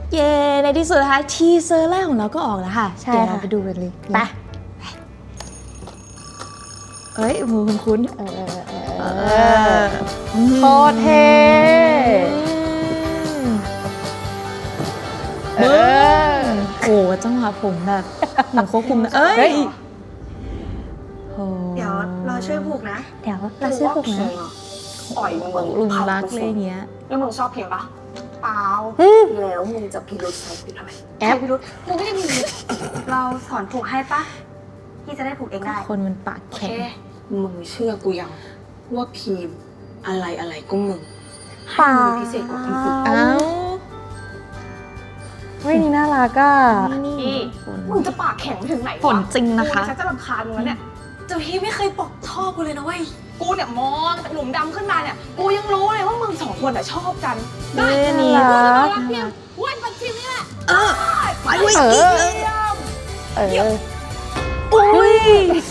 เย้ในที่สุดนะคะทีเซอร์แรกของเราก็ออกแล้วค่ะใช่เดี๋ยวเราค่ะไปดูกันเลยไปเอ้ยมือคุ้นโคตรเท่โอ้โหจังหวะผมแบบเหมือนควบคุมนะเอ้ยโอ้เดี๋ยวเราช่วยผูกนะเดี๋ยวเราซื้อผูกนะอ่อยมึงลุงรักเลยเนี้ยแล้วมึงชอบเพลงปะเปล่าแล้วมึงจะพิรุษใส่กูทำไมแอปพิรุษมึงไม่ได้มีเราสอนผูกให้ปะพี่จะได้ผูกเองได้คนมันปากโอเคแข็งมึงเชื่อกูยังว่าพีมอะไรก็มึงเปล่าให้มึงพิเศษกว่าคนอื่นเอ้าเฮ้ยนี่น่ารักอ่ะนี่มึงจะปากแข็งไปถึงไหนวะฝนจริงนะคะกูฉันจะรำคาญมึงแล้วเนี่ยเจ้าพี่ไม่เคยปอกท่อกูเลยนะเว้ยกูเนี่ยมองจากหลุมดำขึ้นมาเนี่ยกูยังรู้เลยว่ามึงสองคนอะชอบกันเอ้ยนี่น่ารักรักเพียงวันปัจจิมนี่แหละไปด้วยเออีกอเลยเอออุ้ย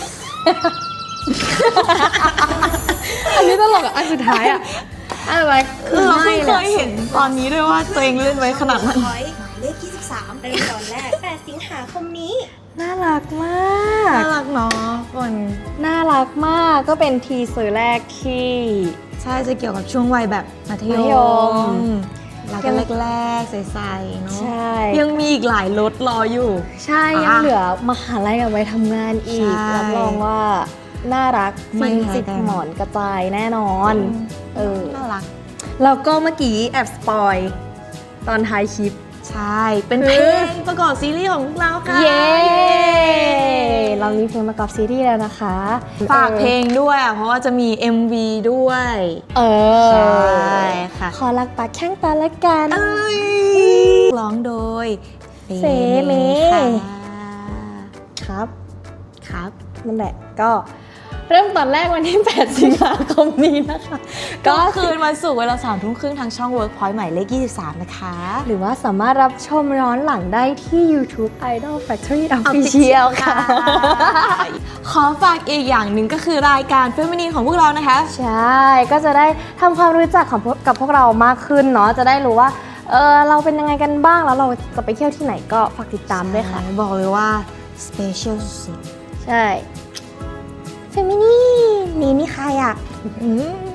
อันนี้ตลกอ่ะ อันสุดท้ายอ่ะอะไรคือเราเพิ่งเคยเห็นตอนนี้ด้วยว่าตัวเองเล่นไว้ขนาดนั้นหมายเลข23ในตอนแรก 8 สิงหาคมนี้น่ารักมากน่ารักเนาะคนน่ารักมากก็เป็นทีเซอร์แรกที่ใช่จะเกี่ยวกับช่วงวัยแบบมัธมัธยยมมแล้วก็แรกๆใสๆเนาะใช่ยังมีอีกหลายรถรออยู่ใช่ยังเหลือมหาลัยเอาไว้ทำงานอีกใช่รับรองว่าน่ารักไม่ฟินแพ้จิกกันหมอนกระจายแน่นอน เออน่ารักแล้วก็เมื่อกี้แอบสปอยตอนท้ายคลิปใช่ เป็นเพลงประกอบซีรีส์ของพวกเราค่ะเย้ เรามีเพลงประกอบซีรีส์แล้วนะคะฝากเพลงด้วยอ่ะเพราะว่าจะมี MV ด้วยเออใช่ค่ะขอรักปากแข้งตาละกันร้องโดยเฟเมค่ะครับครับนั่นแหละก็เริ่มตอนแรกวันที่ 8 สิงหาคมนี้นะคะก็ก็คืนวันศุกร์เวลา3 ทุ่มครึ่งทางช่อง Workpoint หมายเลข 23 นะคะหรือว่าสามารถรับชมย้อนหลังได้ที่ YouTube Idol Factory Official ค่ะขอฝากอีกอย่างหนึ่งก็คือรายการเฟมินีนของพวกเรานะคะใช่ ก็จะได้ทำความรู้จักกับพวกเรามากขึ้นเนาะ จะได้รู้ว่า เราเป็นยังไงกันบ้าง แล้วเราจะไปเที่ยวที่ไหนก็ฝากติดตามด้วยค่ะบอกเลยว่า สเปเชียลสุดใช่ เฟมินี่นี่ใครอ่ะๆ